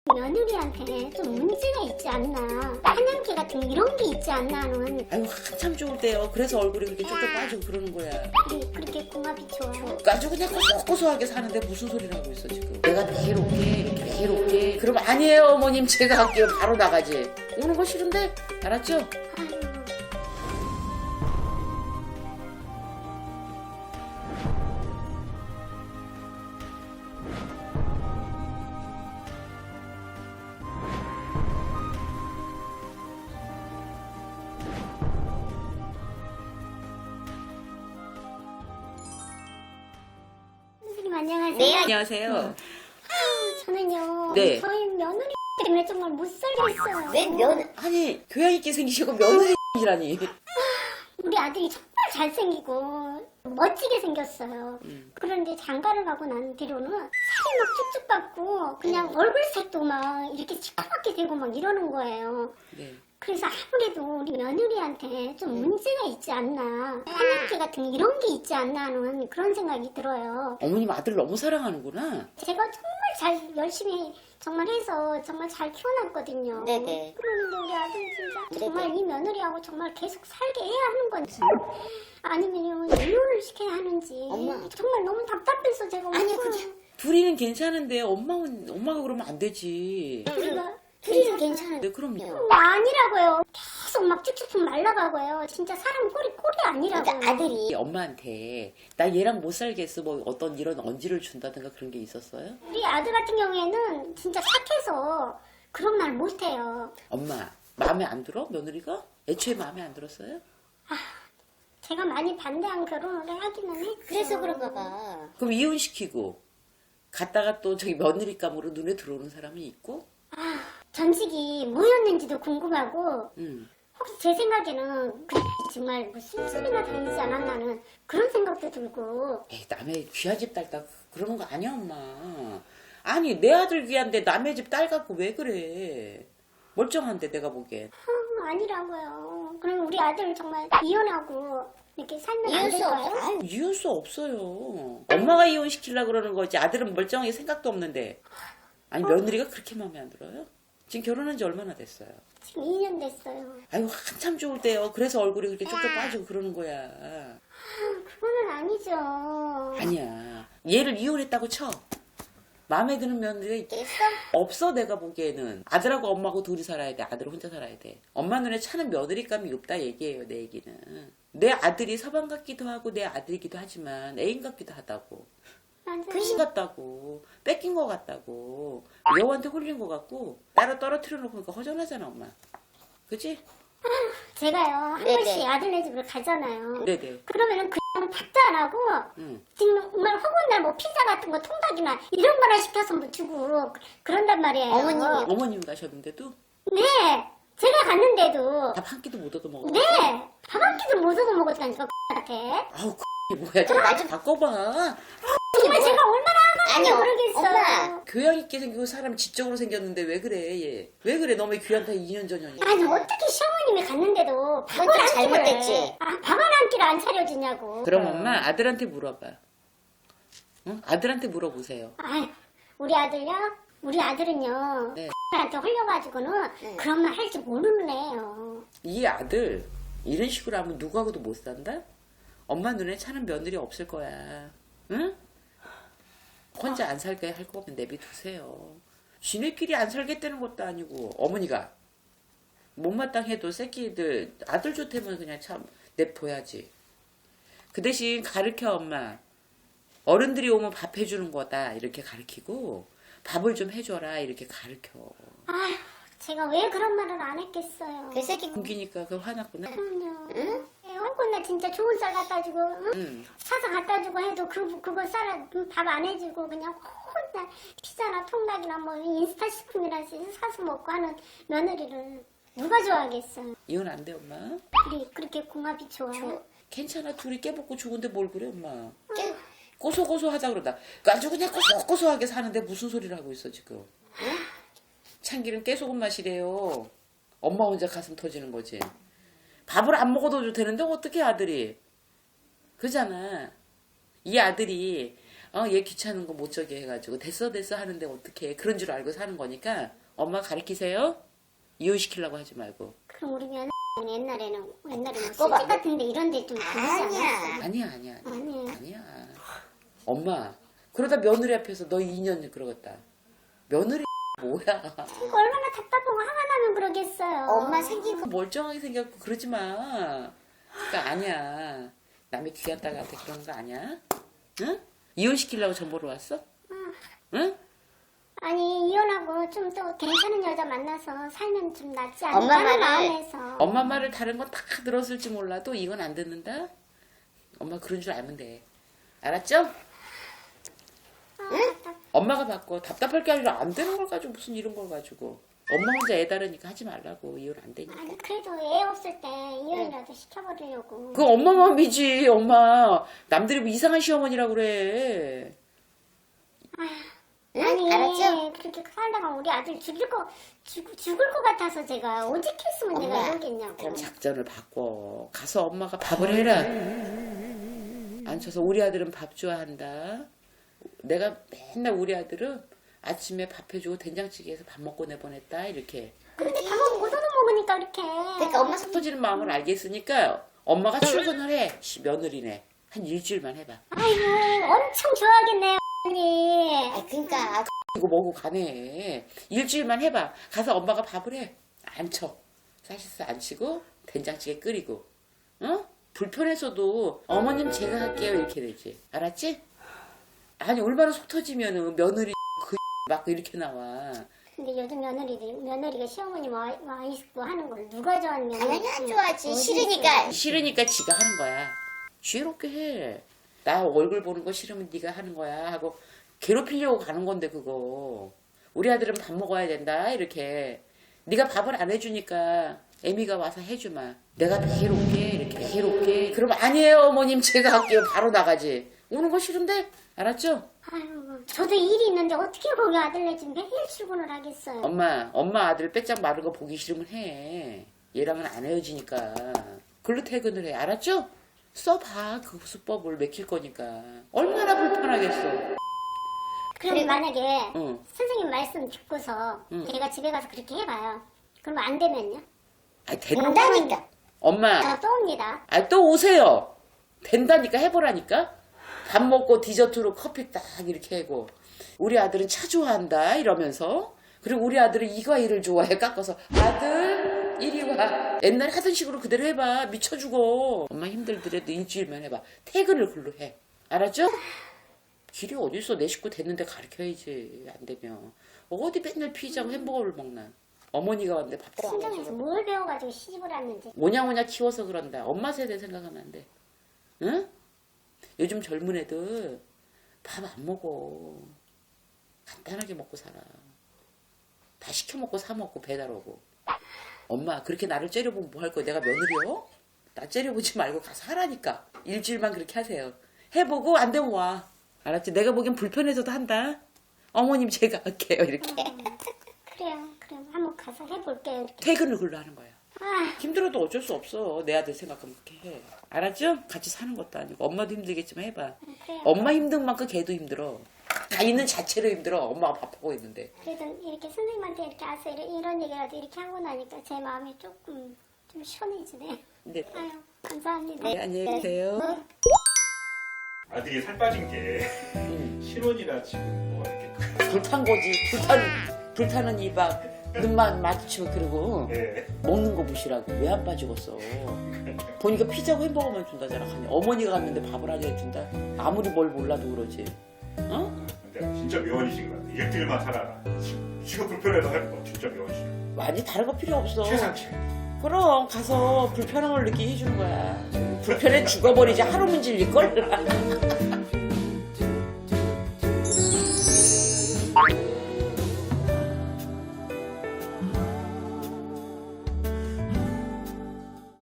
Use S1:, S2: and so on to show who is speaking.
S1: 며느리한테 좀 문제가 있지 않나, 한양기 같은 이런 게 있지 않나 하는.
S2: 아유 한참 좋을 때요. 그래서 얼굴이 그렇게 쪽쪽 빠지고 그러는 거야.
S1: 그렇게 궁합이 좋아요.
S2: 아주 그냥 고소고소하게 사는데 무슨 소리를 하고 있어 지금. 내가 내일 올게 내일 올게. 그럼 아니에요 어머님 제가 할게요. 바로 나가지. 오는 거 싫은데 알았죠?
S1: 아유, 선생님 안녕하세요.
S3: 네,
S2: 안녕하세요.
S1: 저는요,
S2: 네.
S1: 저희 며느리 때문에 정말 못 살겠어요.
S3: 왜
S2: 아니 교양 있게 생기시고 며느리라니.
S1: 우리 아들이 정말 잘생기고 멋지게 생겼어요. 그런데 장가를 가고 난 뒤로는 살이 막 쭉쭉 빠고 그냥 얼굴색도 막 이렇게 시커멓게 되고 막 이러는 거예요.
S2: 네.
S1: 그래서 아무래도 우리 며느리한테 좀 문제가 있지 않나, 한약기 같은 이런 게 있지 않나 하는 그런 생각이 들어요.
S2: 어머님 아들 너무 사랑하는구나.
S1: 제가 정말 잘 열심히 정말 해서 정말 잘 키워놨거든요.
S3: 네네.
S1: 그런데 우리 아들 진짜
S3: 네네.
S1: 정말 이 며느리하고 정말 계속 살게 해야 하는 건지 아니면 이혼을 시켜야 하는지
S3: 엄마.
S1: 정말 너무 답답해서 제가
S3: 아니요,
S1: 오늘
S3: 그게-
S2: 둘이는 괜찮은데 엄마가 그러면 안 되지.
S1: 둘이는
S3: 괜찮은데.
S2: 네 그럼요.
S1: 아니라고요. 계속 막 쭉쭉쭉 말라가고요. 진짜 사람 꼴이 아니라고요.
S3: 그러니까 아들이
S2: 엄마한테 나 얘랑 못 살겠어 뭐 어떤 이런 언지를 준다든가 그런 게 있었어요?
S1: 우리 아들 같은 경우에는 진짜 착해서 그런 말 못해요.
S2: 엄마 마음에 안 들어? 며느리가? 애초에 마음에 안 들었어요?
S1: 제가 많이 반대한 결혼을 하기는 했죠.
S3: 그래서 그런가 봐.
S2: 그럼 이혼시키고 갔다가 또 저기 며느리감으로 눈에 들어오는 사람이 있고
S1: 전직이 뭐였는지도 궁금하고
S2: 음.
S1: 혹시 제 생각에는 정말 무슨 소리나 다니지 않았나는 그런 생각도 들고.
S2: 에이 남의 귀한 집 딸 딱 그러는 거 아니야 엄마. 아니 내 아들 귀한데 남의 집 딸 갖고 왜 그래. 멀쩡한데 내가 보기엔.
S1: 아니라고요. 그럼 우리 아들 정말 이혼하고 이렇게 살면 안
S3: 이혼 수
S1: 될까요?
S3: 없어. 아유,
S2: 이혼 수 없어요. 엄마가 이혼시키려고 그러는 거지. 아들은 멀쩡하게 생각도 없는데. 아니 며느리가 그렇게 마음에 안 들어요? 지금 결혼한 지 얼마나 됐어요?
S1: 지금 2년 됐어요.
S2: 아유 한참 좋을 때요. 그래서 얼굴이 그렇게 쪽쪽 빠지고 그러는 거야.
S1: 그거는 아니죠.
S2: 아니야. 얘를 이혼했다고 쳐. 마음에 드는 며느리가
S3: 됐어?
S2: 없어 내가 보기에는. 아들하고 엄마하고 둘이 살아야 돼. 아들은 혼자 살아야 돼. 엄마 눈에 차는 며느리감이 없다 얘기예요. 내 얘기는. 내 아들이 서방 같기도 하고 내 아들이기도 하지만 애인 같기도 하다고.
S1: 맞아요.
S2: 근심 같다고. 뺏긴 것 같다고. 여우한테 홀린 것 같고 따로 떨어뜨려 놓고 그러니까 허전하잖아 엄마. 그치?
S1: 제가요 한
S3: 네네.
S1: 번씩 아들네 집을 가잖아요.
S2: 네네.
S1: 그러면은 그냥 밥도 안 하고
S2: 응.
S1: 정말 허구한 날 뭐 피자 같은 거 통닭이나 이런 거나 시켜서 뭐 주고 그런단 말이에요.
S3: 어머님이-
S2: 어머님 가셨는데도
S1: 네, 제가 갔는데도
S2: 밥 한 끼도 못 얻어 먹어.
S1: 네, 밥 한 끼도 못 얻어 먹었다니까 같아.
S2: 아우 뭐야. 좀
S3: 완전-
S2: 바꿔봐.
S1: 정말 제가 얼마나
S3: 아니,
S1: 하는지 모르겠어요.
S3: 엄마.
S2: 교양 있게 생기고 사람 지적으로 생겼는데 왜 그래 얘. 왜 그래 너무 귀한테 2년 전이야.
S1: 아니 어떻게 시어머님이 갔는데도 밥을
S3: 그건
S1: 한
S3: 좀
S1: 끼를
S3: 잘못됐지.
S1: 밥을 한 끼를 안 차려주냐고.
S2: 그럼 엄마 아들한테 물어봐. 응? 아들한테 물어보세요.
S1: 아유, 우리 아들요? 우리 아들은요.
S2: 네.
S1: 한테 홀려가지고는 그런 말 할 줄 모르는 애예요.
S2: 이 아들 이런 식으로 하면 누구하고도 못 산다? 엄마 눈에 차는 며느리 없을 거야. 응? 혼자 안 살게 할 거면 내비두세요. 지네끼리 안 살겠다는 것도 아니고 어머니가 못마땅해도 새끼들 아들 좋다면 그냥 참 냅둬야지. 그 대신 가르쳐 엄마. 어른들이 오면 밥 해주는 거다 이렇게 가르치고 밥을 좀 해줘라 이렇게 가르쳐.
S1: 아휴, 제가 왜 그런 말을 안 했겠어요.
S3: 그 새끼
S2: 공기니까 그 화났구나.
S1: 그럼요. 나 진짜 좋은 쌀 갖다 주고 응?
S2: 응.
S1: 사서 갖다 주고 해도 그거 밥 안 해주고 그냥 혼자 피자나 통닭이나 뭐 인스타 식품이나 사서 먹고 하는 며느리를 누가 좋아하겠어요.
S2: 이혼 안 돼 엄마?
S1: 우리 그렇게 궁합이 좋아요.
S2: 괜찮아 둘이 깨먹고 죽은데 뭘 그래 엄마.
S3: 깨-
S2: 고소고소하자 그러다 아주 그냥 고소고소하게 사는데 무슨 소리를 하고 있어 지금. 참기름 깨소금 맛이래요. 엄마 혼자 가슴 터지는 거지. 밥을 안 먹어도 되는데 어떻게 아들이. 그잖아. 이 아들이 얘 귀찮은 거 못 저기 해가지고 됐어 하는데 어떡해. 그런 줄 알고 사는 거니까 엄마 가르치세요. 이혼시키려고 하지 말고.
S1: 그럼 우리 며느리는 옛날에는 뭐 술집 같은데 이런 데 좀 다니지 않았어?
S2: 아니야.
S1: 아니에요.
S2: 엄마 그러다 며느리 앞에서 너 2년 그러겠다. 며느리 뭐야.
S1: 이거 얼마나 답답하고 화가 나면 그러겠어요.
S3: 엄마 생긴 거
S2: 멀쩡하게 생겼고 그러지 마. 그러니까 아니야. 남의 귀한 딸한테 그런 거 아니야? 응? 이혼시키려고 전보러 왔어? 응?
S1: 아니 이혼하고 좀 또 괜찮은 여자 만나서 살면 좀 낫지 않을까
S3: 엄마
S1: 하는
S3: 말을-
S1: 마음에서.
S2: 엄마 말을 다른 거 다 들었을지 몰라도 이건 안 듣는다? 엄마 그런 줄 알면 돼. 알았죠? 엄마가 바꿔. 답답할 게 아니라 안 되는 걸 가지고 무슨 이런 걸 가지고. 엄마 혼자 애 다르니까 하지 말라고. 이혼 안 되니까.
S1: 아니 그래도 애 없을 때 이혼이라도 시켜버리려고.
S2: 그건 엄마 마음이지. 엄마 남들이 뭐 이상한 시어머니라고 그래.
S3: 응?
S1: 아니
S3: 알았죠?
S1: 그렇게 살다가 우리 아들 죽을 것 같아서 제가 오직했으면 내가
S3: 엄마,
S1: 이러겠냐고.
S3: 그럼
S2: 작전을 바꿔. 가서 엄마가 밥을 해라. 앉혀서 우리 아들은 밥 좋아한다. 내가 맨날 우리 아들은 아침에 밥 해주고 된장찌개에서 밥 먹고 내보냈다. 이렇게.
S1: 근데 밥은 못 얻어먹으니까 이렇게.
S3: 그러니까 엄마
S2: 속 터지는 마음을 알겠으니까 엄마가 출근을 해. 며느리네. 한 일주일만 해봐.
S1: 아이고 엄청 좋아하겠네요 언니.
S3: 그러니까
S2: 이거 먹고 가네. 일주일만 해봐. 가서 엄마가 밥을 해. 앉혀. 사실상 앉히고 된장찌개 끓이고. 어? 불편해서도 어머님 제가 할게요 이렇게 되지. 알았지? 아니 얼마나 속 터지면은 며느리 막 이렇게 나와.
S1: 근데 요즘 며느리가 시어머니 와 있고 하는 걸 누가 좋아하는
S3: 당연히 안 좋아하지.
S1: 어디
S3: 싫으니까.
S2: 싫으니까 지가 하는 거야. 지혜롭게 해. 나 얼굴 보는 거 싫으면 네가 하는 거야 하고 괴롭히려고 가는 건데 그거. 우리 아들은 밥 먹어야 된다 이렇게. 네가 밥을 안 해주니까 애미가 와서 해주마. 내가 해롭게 이렇게 해롭게. 그럼 아니에요 어머님 제가 할게요. 바로 나가지. 오는 거 싫은데? 알았죠?
S1: 아유, 저도 일이 있는데 어떻게 거기 아들네 집 매일 출근을 하겠어요.
S2: 엄마 아들 빼짝 마른 거 보기 싫으면 해. 얘랑은 안 헤어지니까. 글로 퇴근을 해. 알았죠? 써봐 그 수법을 맥힐 거니까. 얼마나 불편하겠어.
S1: 그럼 만약에
S2: 응.
S1: 선생님 말씀 듣고서 제가 집에 가서 그렇게 해봐요. 그럼 안 되면요?
S2: 아,
S3: 된다니까.
S2: 엄마,
S1: 저 또 옵니다.
S2: 또 오세요. 된다니까 해보라니까. 밥 먹고 디저트로 커피 딱 이렇게 하고. 우리 아들은 차 좋아한다 이러면서. 그리고 우리 아들은 이 과일을 좋아해 깎아서. 아들 이리 와. 옛날에 하던 식으로 그대로 해봐. 미쳐 죽어. 엄마 힘들더라도 일주일만 해봐. 퇴근을 글로 해. 알았죠? 길이 어딨어. 내 식구 됐는데 가르쳐야지. 안 되면. 어디 맨날 피자고 햄버거를 먹나. 어머니가 왔는데 밥
S1: 친정에서 뭘 배워가지고 시집을 왔는지.
S2: 오냐오냐 키워서 그런다. 엄마 세대 생각하면 안 돼. 응? 요즘 젊은 애들 밥 안 먹어. 간단하게 먹고 살아. 다 시켜 먹고 사 먹고 배달 오고. 엄마 그렇게 나를 째려보면 뭐 할 거야? 내가 며느리요? 나 째려보지 말고 가서 하라니까. 일주일만 그렇게 하세요. 해보고 안 되면 와. 알았지? 내가 보기엔 불편해서도 한다. 어머님 제가 할게요 이렇게.
S1: 그래요. 그럼 한번 가서 해볼게요. 이렇게.
S2: 퇴근을 글로 하는 거야.
S1: 아,
S2: 힘들어도 어쩔 수 없어. 내 아들 생각하면 그렇게 해. 알았죠? 같이 사는 것도 아니고. 엄마도 힘들겠지만 해봐.
S1: 그래요.
S2: 엄마 힘든 만큼 걔도 힘들어. 다 있는 자체로 힘들어. 엄마가 밥하고 있는데.
S1: 그래도 이렇게 선생님한테 이렇게 와서 이런 얘기라도 이렇게 하고 나니까 제 마음이 조금 좀 시원해지네.
S2: 근데
S1: 아유, 감사합니다.
S2: 네, 안녕히 계세요.
S4: 아들이 살 빠진 게 신혼이라 지금 뭐 이렇게
S2: 불탄 거지. 불타는 이박 눈만 마주치면 그러고
S4: 네.
S2: 먹는 거 무시라고. 왜 안 빠지겠어. 보니까 피자고 햄버거만 준다잖아. 어머니가 갔는데 밥을 안 해준다. 아무리 뭘 몰라도 그러지. 어?
S4: 근데 진짜 명언이신 것 같아. 일주일만 살아라. 지금 불편해도 할 거 진짜 명언이시.
S2: 많이 다른 거 필요 없어.
S4: 최상치.
S2: 그럼 가서 불편함을 느끼게 해주는 거야. 불편해 죽어버리지 하루면 질릴걸?